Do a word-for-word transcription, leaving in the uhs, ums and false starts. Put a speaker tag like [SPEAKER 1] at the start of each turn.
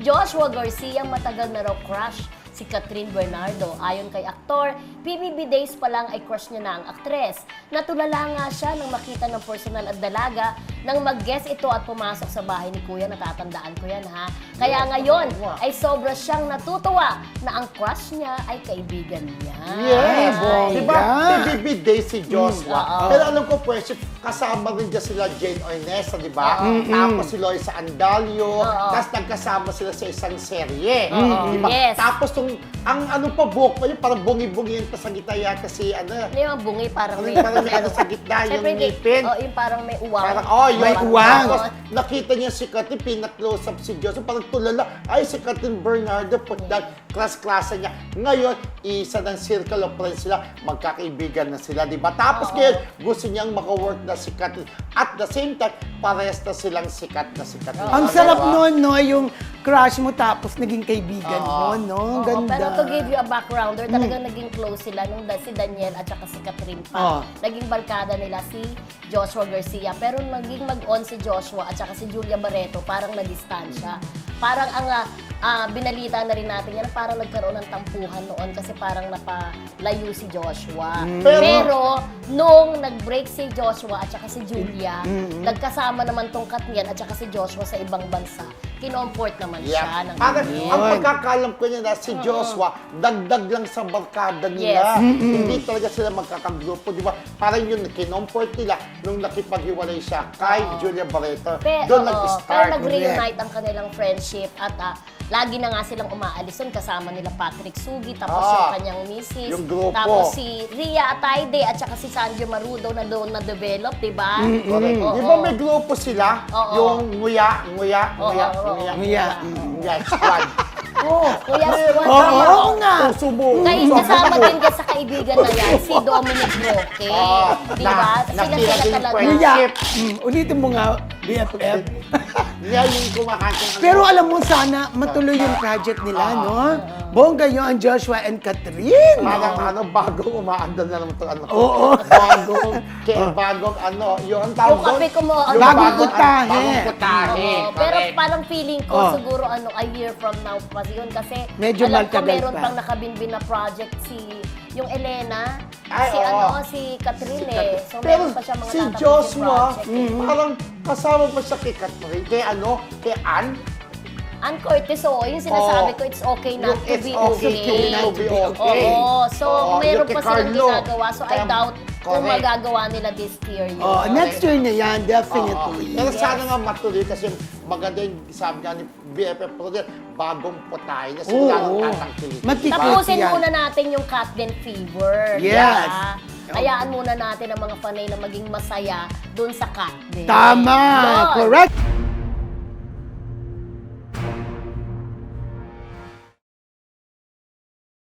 [SPEAKER 1] Joshua Garcia matagal na raw crush si Catherine Bernardo. Ayon kay aktor, P B B days pa lang ay crush niya na ang aktres. Natulala nga siya nang makita ng personal at dalaga nang mag-guest ito at pumasok sa bahay ni Kuya. Natatandaan ko yan, ha? Kaya ngayon ay sobra siyang natutuwa na ang crush niya ay kaibigan niya.
[SPEAKER 2] Yes!
[SPEAKER 1] Ay.
[SPEAKER 2] Diba? P B B Day si Joshua.
[SPEAKER 1] Mm,
[SPEAKER 2] Pero alam ko, pwes, kasama rin dyan sila Jane Ornesa, di ba? Tapos si Loisa Andalio. Tapos nagkasama sila sa isang serye. Di ba?
[SPEAKER 1] Yes.
[SPEAKER 2] Tapos tong, ang ano pa, buhok pa yun, parang bungi-bungi yun pa sa gitna yata si ano.
[SPEAKER 1] Hindi yung bungi, parang may...
[SPEAKER 2] Parang may ano sa gitna, yung
[SPEAKER 1] Siyempre, hindi-
[SPEAKER 2] ngipin.
[SPEAKER 1] Oh, yung parang may uwang.
[SPEAKER 2] Parang, oh, yun.
[SPEAKER 3] May uwang.
[SPEAKER 2] Tapos, nakita niya si Catherine, pina-close up si Joseph, parang tulala, ay, si Catherine Bernardo, put that class-klasa niya. Ngayon, isa ng circle of friends sila, magkakaibigan na sila, di ba? Tapos ngayon, gusto niyang maka-work na si Catherine. At the same time, parehas na silang sikat na si Catherine.
[SPEAKER 3] Ang sarap nun, no? Yung crush mo tapos naging kaibigan mo, no? Ang
[SPEAKER 1] Oo,
[SPEAKER 3] ganda.
[SPEAKER 1] pero to give you a backgrounder, talagang naging close sila nung da- si Daniel at saka si Catherine pa.
[SPEAKER 3] Oh.
[SPEAKER 1] Naging barkada nila si Joshua Garcia. Pero naging mag-on si Joshua at saka si Julia Barreto, parang nadistansya. Parang ang ah, ah, binalita na rin natin yan, parang nagkaroon ng tampuhan noon kasi parang napalayo si Joshua.
[SPEAKER 2] Pero-
[SPEAKER 1] Pero, nung nag-break si Joshua at saka si Julia, nagkasama naman tong Katnian at saka si Joshua sa ibang bansa. Kinomport naman siya
[SPEAKER 2] Yeah.
[SPEAKER 1] ng
[SPEAKER 2] Parang,
[SPEAKER 1] ganyan.
[SPEAKER 2] ang pagkakalam ko niya na si Joshua, dagdag lang sa barkada nila.
[SPEAKER 1] Yes.
[SPEAKER 2] Hindi talaga sila magkakagrupo, di ba? Parang yun, kinomport nila nung nakipaghiwalay siya kay Julia Barreto.
[SPEAKER 1] Pe,
[SPEAKER 2] Doon
[SPEAKER 1] oo,
[SPEAKER 2] nag-start.
[SPEAKER 1] pero nag-reunite ang kanilang friendship at ah, lagi na nga silang umaalis doon kasama nila Patrick Sugi, tapos
[SPEAKER 2] Ah,
[SPEAKER 1] yung kanyang misis,
[SPEAKER 2] yung grupo.
[SPEAKER 1] tapos si Ria Ataide at saka si Sanjo Marudo na doon na-develop, di ba?
[SPEAKER 2] Correct.
[SPEAKER 1] Oo.
[SPEAKER 2] Di ba may grupo sila?
[SPEAKER 1] Oo.
[SPEAKER 2] Yung nguya, nguya,
[SPEAKER 1] Oo,
[SPEAKER 2] nguya,
[SPEAKER 1] oo,
[SPEAKER 2] nguya.
[SPEAKER 3] Nguya.
[SPEAKER 2] Nguya, squad. Oo.
[SPEAKER 1] Kuya Squad,
[SPEAKER 3] Oo,
[SPEAKER 1] tama.
[SPEAKER 3] oo nga.
[SPEAKER 2] Puso mo.
[SPEAKER 1] Kaya kasama din ka sa kaibigan na yan, si Dominic Roque.
[SPEAKER 2] Oo.
[SPEAKER 1] Di
[SPEAKER 2] Na-
[SPEAKER 1] ba? Sila
[SPEAKER 2] nakita
[SPEAKER 1] sila
[SPEAKER 2] din
[SPEAKER 1] talaga.
[SPEAKER 2] friend.
[SPEAKER 3] Kuya,
[SPEAKER 2] Ship.
[SPEAKER 3] mm, ulitin mo nga, B F F.
[SPEAKER 2] Yan yung kumakantong ano.
[SPEAKER 3] Pero alam mo, sana matuloy yung project nila, no? Bongga yun ang Joshua and Catherine.
[SPEAKER 2] Parang ano, bagong umaandar na naman ito. Ano,
[SPEAKER 3] Oo.
[SPEAKER 2] Bagong, kaya bagong ano, yung ang tawag
[SPEAKER 1] Yung kape ko mo,
[SPEAKER 2] Yung
[SPEAKER 3] Bagong
[SPEAKER 2] ano,
[SPEAKER 3] putahe.
[SPEAKER 2] Bagong putahe.
[SPEAKER 1] Oo, pero
[SPEAKER 2] correct.
[SPEAKER 1] parang feeling ko
[SPEAKER 3] Oh.
[SPEAKER 1] siguro ano a year from now pa yun kasi
[SPEAKER 3] Medyo
[SPEAKER 1] alam ko
[SPEAKER 3] matagal
[SPEAKER 1] meron
[SPEAKER 3] pa.
[SPEAKER 1] pang nakabinbin na project si yung Elena,
[SPEAKER 2] Ay,
[SPEAKER 1] si
[SPEAKER 2] oo.
[SPEAKER 1] ano, si Catherine eh. So
[SPEAKER 2] Pero
[SPEAKER 1] meron pa siya mga
[SPEAKER 2] si
[SPEAKER 1] tatapos
[SPEAKER 2] Joshua,
[SPEAKER 1] project. eh.
[SPEAKER 2] parang kasama pa siya kay Catherine, kay ano, kay Ann.
[SPEAKER 1] Ann Curtis, oo, yung sinasabi
[SPEAKER 2] Oo.
[SPEAKER 1] ko, it's okay not
[SPEAKER 2] Yung
[SPEAKER 1] to
[SPEAKER 2] it's
[SPEAKER 1] be
[SPEAKER 2] okay
[SPEAKER 1] okay.
[SPEAKER 2] to be okay.
[SPEAKER 1] Oo, so
[SPEAKER 2] Oo,
[SPEAKER 1] meron
[SPEAKER 2] yung kay
[SPEAKER 1] pa silang
[SPEAKER 2] Carlo.
[SPEAKER 1] ginagawa. So I
[SPEAKER 2] Kaya-
[SPEAKER 1] doubt kung
[SPEAKER 2] correct.
[SPEAKER 1] magagawa nila this year yun.
[SPEAKER 3] Oh, next year na yan, definitely.
[SPEAKER 2] Pero sana nga matuloy kasi maganda yung sabi nga ni B F F Producer, bagong putahe na
[SPEAKER 3] Oo.
[SPEAKER 2] sila ang tatangkilikin.
[SPEAKER 3] Matikit
[SPEAKER 1] Tapusin
[SPEAKER 3] yan.
[SPEAKER 1] muna natin yung Catden Fever.
[SPEAKER 3] Yes.
[SPEAKER 1] diba? Hayaan muna natin ang mga panay na maging masaya dun sa Catden.
[SPEAKER 3] Tama,
[SPEAKER 1] Yun.
[SPEAKER 3] correct.